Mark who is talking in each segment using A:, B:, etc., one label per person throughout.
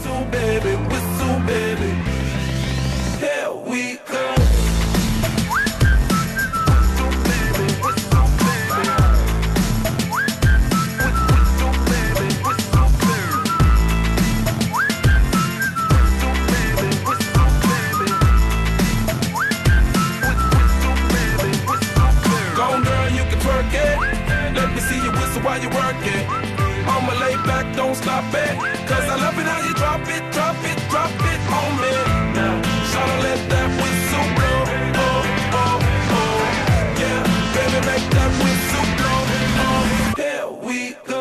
A: whistle baby, whistle baby. Here we go. While you work it, I'ma lay back, don't stop it. Cause I love it how you drop it, drop it, drop it on me. Now, shout out, let that whistle blow. Oh, oh, oh. Yeah, baby, make that whistle blow. Oh, here we go.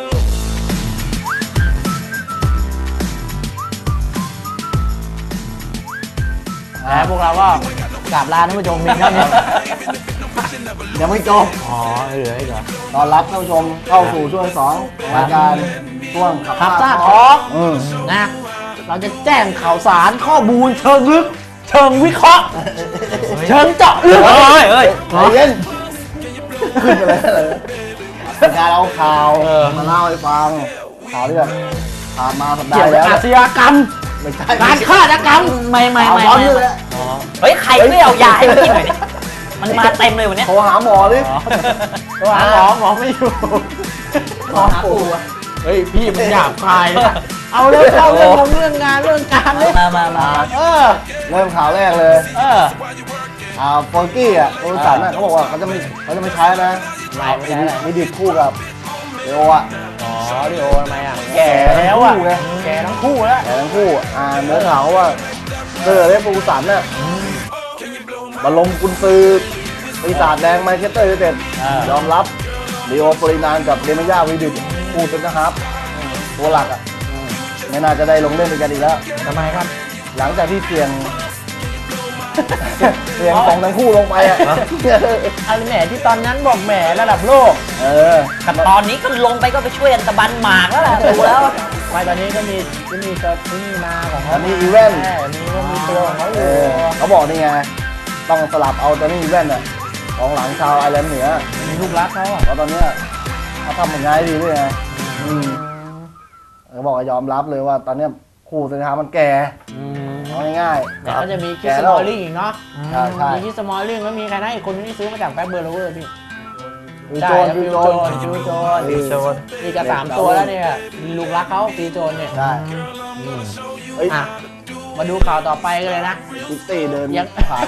B: แล้วพวกเราก็กราบลาท่านผู้ชมเพียงเท่านี้ยังไม่จบอ๋อเหลืออีกเหรอตอนรับท่านผู้ชมเข้าสู่ช่วงที่ 2ของรายการช่วงขับซ่าทอล์กนะเราจะแจ้งข่าวสารข้อมูลเชิงลึกเชิงวิเคราะห์เชิงเจาะลึกเฮ้ยเย็นขึ้นไปเลยการเอาข่าวมาเล่าให้ฟังข่าวที่แบบผ่านมาสัปดาห์แล้วอาชญากรรมการฆาตกรรมไม่
C: เฮ้ยใครไม่เอายาให้มันกินหน่อยดิมันมาเต็มเลยวันนี้
B: โทรหาหมอดิโทรหาหมอไม่อยู่หมอหาปู่เฮ้ยพี่มันหยาบคายเอาเรื่องงานเรื่องการเลยมาเริ่มข่าวแรกเลยฟอร์กี้อ่ะโทรศัพท์น่ะเขาบอกว่าเขาจะไม่ใช้นะมีดิดคู่กับเดโออ่ะเดโอทำไมอ่ะแก่แล้วอ่ะแก่ทั้งคู่แล้วเนื้อข่าวว่าเจอเรฟูสันเนี่ยมาลงกุญซือปีศาจแดงแมนเชสเตอร์ยูไนเต็ดยอมรับลีโอฟรินานกับเดมิย่าวีดิตคู่เป็นนะครับตัวหลักอ่ะไม่น่าจะได้ลงเล่นด้วยกันอีกแล้วทำไมครับหลังจากที่เสี่ยงของทั้งคู่ลงไปอ่ะอะไรแหมที่ตอนนั้นบอกแหมระดับโลก
C: กับตอนนี้ก็ลงไปก็ไปช่วยอันตะบันหมากแล้วแหละดูแล้ว
B: ไม่ตอนนี้ก็มีมาของเขามีอีเวนต์มีตัวของเขาอยู่เขาบอกนี่ไงต้องสลับเอาตอนนี้อีเวนต์อ่ะของหลังชาวไอร์แลนด์เหนือมีลูกรักเขาเพราะตอนนี้เขาทำผลงานดีด้วยไงเขาบอกยอมรับเลยว่าตอนนี้คู่สินค้ามันแก่ง่ายๆแต่ก็จะมีคิสสมอลลิงอีกเนาะมีคิสสมอลลิงแล้วมีใครนะอีกคนที่ซื้อมาจากแบ็คเบอร์โลเวอร์พี่ฟิวโจนนี่จะ3ตัวแล้วเนี่ยลูกรักเขาฟิวโจนเนี่ยได้มาดูข่าวต่อไปกันเลยนะซิตี้เดินยังผ่าน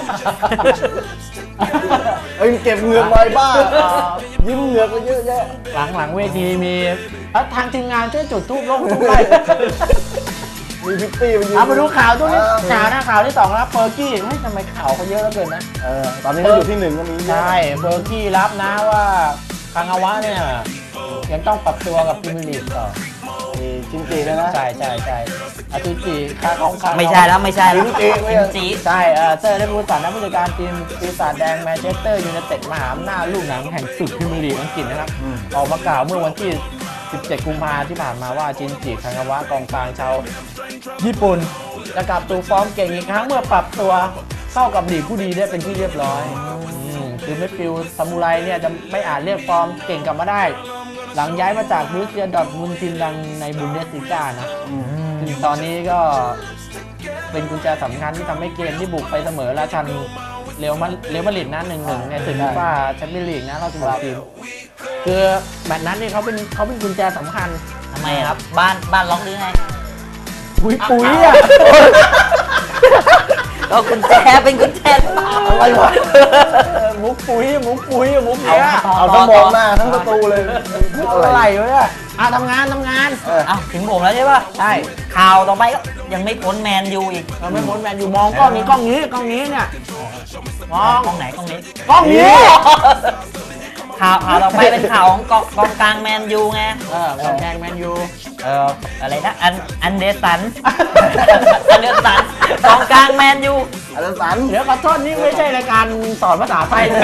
B: เก็บเหงือกไว้บ้างยิ้มเหงือกไปเยอะแยะหลังเวทีมีทางทีมงานช่วยจุดธูปลงทุกใบมีพิตตี้มาดูข่าวตัวนี้ข่าวที่2แล้วเฟอร์กี้ทำไมข่าวเขาเยอะเหลือเกินนะตอนนี้เขาอยู่ที่1ก็มีใช่เฟอร์กี้รับนะว่าคางาวะเนี่ยยังต้องปรับตัวกับพรีเมียร์ลีกต่อจินจีเลยนะใช่จินจี
C: ไม่ใช่แล้วจินจี
B: ใช่เซอร์ได้พูดต่อนะผู้จัดการทีมปีศาจแดงแมนเชสเตอร์ยูไนเต็ดมหาอำนาจลูกหนังแห่งศึกพรีเมียร์ลีกอังกฤษนะครับออกมากล่าวเมื่อวันที่17 กุมภาพันธ์ที่ผ่านมาว่าจินจิคางาวะกองกลางชาวญี่ปุ่นจะกลับสู่ฟอร์มเก่งอีกครั้งเมื่อปรับตัวเข้ากับลีกผู้ดีได้เป็นที่เรียบร้อยคือเมดฟิลด์ซามูไรเนี่ยจะไม่อาจเรียกฟอร์มเก่งกลับมาได้หลังย้ายมาจากบรูเซียดอร์ทมุนด์ทีมดังในบุนเดสลิก้านะถึงตอนนี้ก็เป็นกุญแจสำคัญที่ทำให้เกมที่บุกไปเสมอราชันเรอัลมาดริดนะ 1-1 ในศึกฟีฟ่าแชมเปี้ยนลีกนะรอบ16 ทีมคือแมตช์นั้นนี่เขาเป็นกุญแจสำคัญ
C: ทำไมครับบ้านล็อกหรือไง
B: ปุ๋ยอ่ะ
C: ก็กุญแจเป็นกุญแจ
B: อะไรวะมุกปุ๋ยเนี้ยเอาทั้งมองหน้าทั้งประตูเลยอะไรวะทำงาน
C: ถึงผมแล้วใช่ป่ะใช่ข่าวต่อไปก็ยังไม่พ้นแมนยูอีก
B: ไม่พ้นแมนยูมองกล้องนี้เนี่ยมอง
C: กล้องไหนกล้องนี้
B: ข่
C: าวต่อไปเป็นข่าวของกองกลางแมนยูไง
B: กองกลางแมนยู
C: อะไรนะอันเดอร์สันกองกลางแมนยู
B: อันเดอร์สันเดี๋ยวขอโทษนี่ไม่ใช่รายการสอนภาษาไทยเลย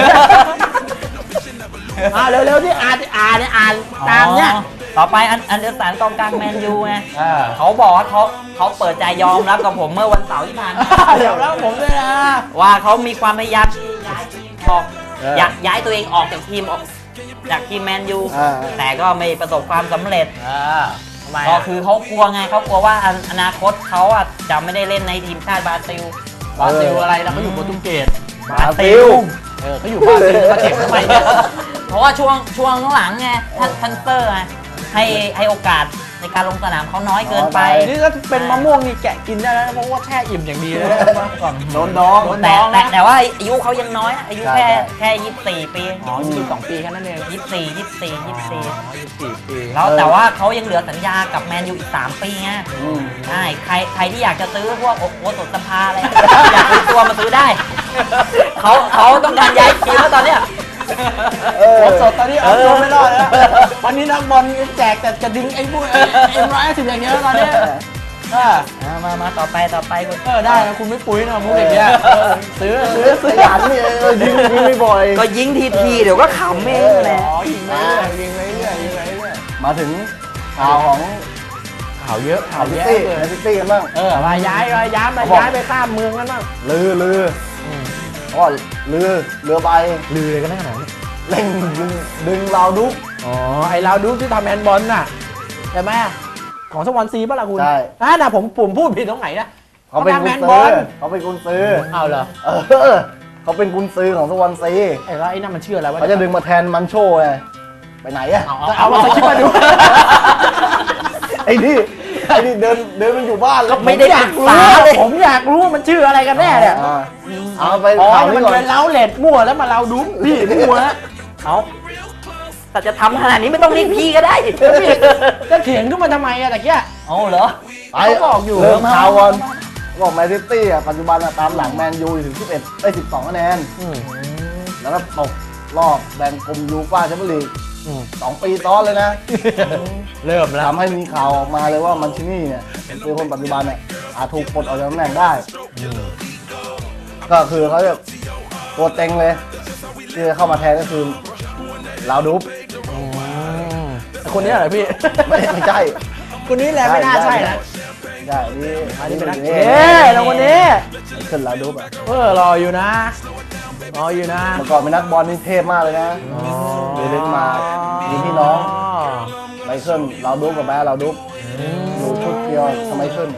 B: เร็วๆที่อ่านตามเนี่ย
C: ต่อไปอันเดอร์สันกองกลางแมนยูไงเขาบอกว่าเขาเปิดใจยอมรับกับผมเมื่อวันเสาร์ที่ผ่านมา
B: เดี๋ยวแล้วผมด้วยนะ
C: ว่าเขามีความพยายามอยากย้ายตัวเองออกจากทีมแมนยูแต่ก็ไม่ประสบความสำเร็จ
B: ทำไม
C: ก็
B: อ่ะ
C: คือเขากลัวไงเขากลัวว่าอนาคตเขาอ่ะจะไม่ได้เล่นในทีมชาติบราซิล
B: บราซิลอะไรแล้วเขาอยู่โปรตุเกส
D: บราซิล
B: เขาอยู่บราซิลเขาเจ็บทำไมเนี่ย
C: เพราะว่าช่วงหลังไงทันเตอร์ไงให้โอกาสในการลงสนามเขาน้อยเกินไป
B: นี่ถ้าเป็นมะม่วงนี่แกะกินได้แล้วเพราะว่าแช่อิ่มอย่างดีเลยนะก่อน
D: โดนดอง
B: โดน
C: แต่ว่าอายุเขายังน้อยนะอายุ
D: ใช่
C: แค่24 ปี
B: อ๋อ22 ปีแค่นั้นเอง
C: 24
B: ปี
C: แล้วแต่ว่าเขายังเหลือสัญญากับแมนยูอีก3 ปีไง
D: อืม
C: ใช่ใครที่อยากจะซื้อพวกโอสถสภาอะไร อยากซื้อตัวมาซื้อได้ เขาต้องการย้ายทีมแล้วตอนเนี้ย
B: โอ้สดตอนนี้เอาตัวไม่รอดแล้ววันนี้นักบอลแจกแต่จะดึงไอ้พวกM150อย่างเงี้ยตอนนี้
C: มาต่อไปคุณ
B: ได้นะคุณไม่ปุ้ยนะมุกอย่างเงี้ยซื้อ
D: ขยันนี่ยิงไม่บ่อย
C: ก็ยิงทีเดี๋ยวก็ขำเองแหละ
B: ยิงไปเรื่อยยิงไปเรื่อยยิงไปเรื่อย
D: มาถึงข่าวของ
B: ข่าวเยอะข่าว
D: ซิ
B: แย่
D: ตี้
B: เลย
D: ซิตี้กันบ้าง
B: มาย้ายไปข้ามเมืองกันบ้าง
D: ลือเพราะว่าเรือใบ
B: ลือเลยกันแน่ขนาดนี้
D: เร่งดึงเราดุก
B: อ๋อไอ้เราดูที่ทำแฮนด์บอลน่ะใช่ไหมของสวอนซีป่ะล่ะคุณ
D: ใช่
B: น่ะผมพูดผิดตรงไหนนะ
D: เขาเป็น
B: ทำ
D: กุ
B: แฮ
D: น
B: นด์บ
D: ซื้
B: อ
D: อ
B: ล
D: เขาเป็นกุนซื้อ
B: เอาเหรอ
D: เขาเป็นกุนซื้อของสวอนซี
B: ไอ้แล้วไอ้นั่นมันชื่ออะไรวะ
D: เขาจะดึงมาแทนมันโชไงไปไหนอะ
B: เอามาสคริปต์มาดู
D: ไอ้นี่เดินมันอยู่บ้านแล้ว
C: ไม่ได้
B: อยากรู้ผมอยากรู้มันชื่ออะไรกันแน่เนี่ย
D: เอาไป
B: อ๋อ
D: ข่าว
B: มั
D: นี้
B: น
D: ก่อน
B: เป็นเล้าเล็ดมั่วแล้วมาเราดูพี่มั่วแล้ว
C: เอาแต่จะทำขนาดนี้ไม่ต้องเรียกพี่ก็ได้
B: จะเถียงขึ้นมาทำไมอะตะเกีย
C: เอาเหรอ
D: ไป
B: เขาบอกอยู่
D: เริ่มข่าวก่อนบอกแมนซิตี้อ่ะปัจจุบันตามหลังแมนยูถึง12คะแนนแล้วก็ตกรอบแบ่งกลุ่มยูฟ่าแชมเปี้ยนลีก2 ปีซ้อนเลยนะ
B: เริ่มแล้ว
D: ทำให้มีข่าวออกมาเลยว่ามันชินี่เนี่ยคือคนปัจจุบันเนี่ยอาจถูกปลดออกจากตำแหน่งได้ก็คือเขาจะตัวเต็งเลยที่จะเข้ามาแทนก็คือลาวดุ๊บ
B: คนนี้เหรอพี่
D: ไม่ใช่
B: คนนี้แหละไม่น่าใช่นะ
D: ใช่นี่
B: อันนี้เป็นนัก
D: นี่
B: เอ๊ะแล้วคนนี้
D: ขึ้นลาวดุ๊บอ่ะ
B: รออยู่นะรออยู่นะ
D: เมื่อก่อนเป็นนักบอลนี่เทพมากเลยนะเดนมาร์กมีพี่น้องไมเคิลลาวดุ๊บกับแม่ลาวดุ๊บอยู่ชุดเดียวทำไมขึ้น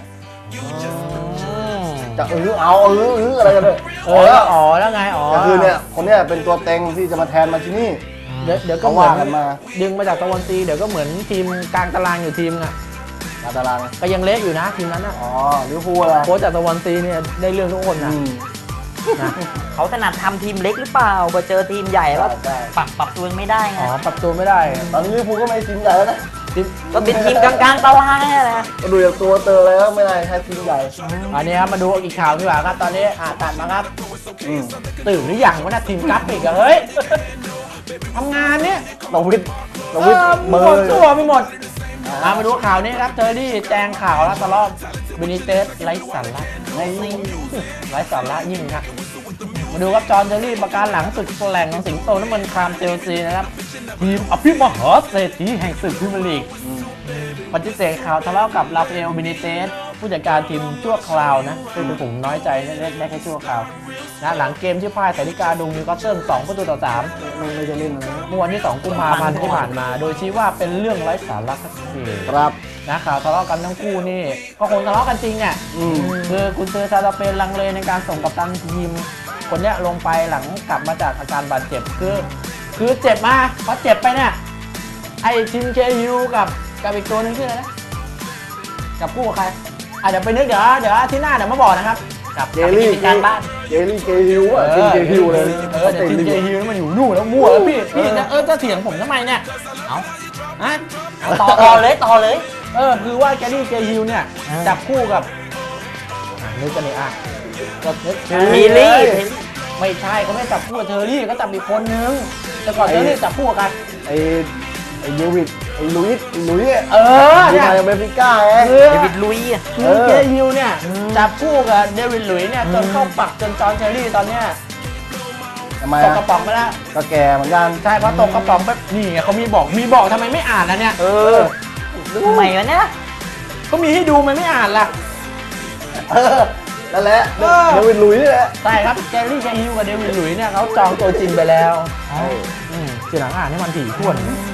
D: จะเอาอะไรกันเลย
B: แล้วไง
D: ก็คือเนี่ยคนเนี้ยเป็นตัวเต็งที่จะมาแทนมาชินี่
B: เดี๋ยวก็
D: เขา
B: เหมื
D: ว่า
B: อน
D: กันมา
B: ดึงมาจากตะวันซีเดี๋ยวก็เหมือนทีมกลางตารางอยู่ทีมอ่ะ
D: ตาราง
B: ก็ยังเละอยู่นะทีมนั้นนะ
D: อ๋อลิเวอร์พูลอะไร
B: โค้ชจากตะวันซีเนี่ยได้เรื่องทุกคนนะ
C: เขาถนัดทำทีมเล็กหรือเปล่าพอเจอทีมใหญ่แล้ว
D: ใช่
C: ปรับตัวไม่ได้ไง
B: ปรับตัวไม่ได้
D: ตอนนี้ลิเวอร์พูลก็ไม่ทีมใหญ่แล้วนะ
C: ก็เป็นทีมกลางๆตารางนี่แหละ
D: ก็ดูจากตัวเตออะไรก็ไม่ได้แค่ทีมใหญ่
B: อันนี้ครับมาดูอีกข่าวดีกว่าครับตอนนี้ตัดมาครับตื่นหรือยังวะนะทีมกราฟิกอะเฮ้ยทำงานเนี่ย
D: ตวิทเบ
B: ห
D: อ
B: มด
D: ร์
B: ตัวไปหมดมาดูข่าวนี้ครับเทอร์รี่แจงข่าวแล้วตลอดบินิเตสไร้สาระไร้สาระยิ่งครับมาดูครับจอห์นเทอร์รี่ประกาศหลังศึกแหล่งของสิงโตน้ำมันครามเชลซีนะครับทีมอภิมหาเศรษฐีแห่งศึกพรีเมียร์ลีกปฏิเสธข่าวทะเลาะกับราฟาเอลบินิเตสผู้จัดการทีมชั่วคราวนะซึ่งผมน้อยใจได้แค่ชั่วคราวนะหลังเกมที่พ่ายแต่นิกาดุงนิวคาสเซิล2-3
D: ไม่จะเล่นอะไร
B: เมื่อวันที่ 2 กุมภาพันธ์ที่ผ่านมา โดยชี้ว่าเป็นเรื่องไร้สาระสักที
D: ครับ
B: นะข่าวทะเลาะกันทั้งคู่นี่ก็คงทะเลาะกันจริงอ่ะคือคุณเซอร์ซาลาเปนลังเลในการส่งกัปตันทีมคนเนี้ยลงไปหลังกลับมาจากอาการบาดเจ็บคือเจ็บมาพอเจ็บไปเนี่ยไอ้ทีมเคยูกับอีกตัวนึงชื่ออะไรนะกับคู่กับใครเดี๋ยวไปนึกเดี๋ยวอาที่หน้าเดี๋ยวมาบอกนะครับ
C: กับ
D: เจลลี่
C: การบ้าน
D: เจลลี่เกฮิวอ่ะทีมเกฮิวเลย
B: แต่ทีมเจฮิวมันอยู่นู่นแล้วมั่วแล้วพี่จะเถียงผมทำไมเนี่ย
C: ต่อเลย
B: คือว่าแกนี่เจฮิวเนี่ยจับคู่กับนึกกันเลยก็
C: มีลี่
B: ไม่ใช่เขาไม่จับคู่กับเทอร์รี่ก็จับอีกคนนึงแต่ก่อนเทอร์รี่จับคู่กัน
D: ไอ้เดวิดไอ้ลุยส์
B: เนี่ย
D: มาเบฟิก้าไง
C: เดวิดลุยส์
B: คือเจฮิวเนี่ยจับคู่กับเดวิดหลุยส์เนี่ยจนเข้าปักจนจอห์นเทอร์รี่ตอนเนี้ย
D: ทำไม
B: ตกกระป๋องไปแล้ว
D: ก็แก่เหมือนกัน
B: ใช่เพราะตกกระป๋องแบบนี่ไงเขามีบอกทำไมไม่อ่านนะเนี่ย
C: ทำไมวะเนี่ย
B: ก็มีให้ดูมันไม่อ่านล่ะ
D: นั่นแหละเดวิดลุยส์นี่แหละ
B: ใช่ครับเจฮิวกับเดวิดหลุยส์เนี่ยเขาจองตัวจริงไปแล้วทีหลังอ่านให้มันถี่ถ้วน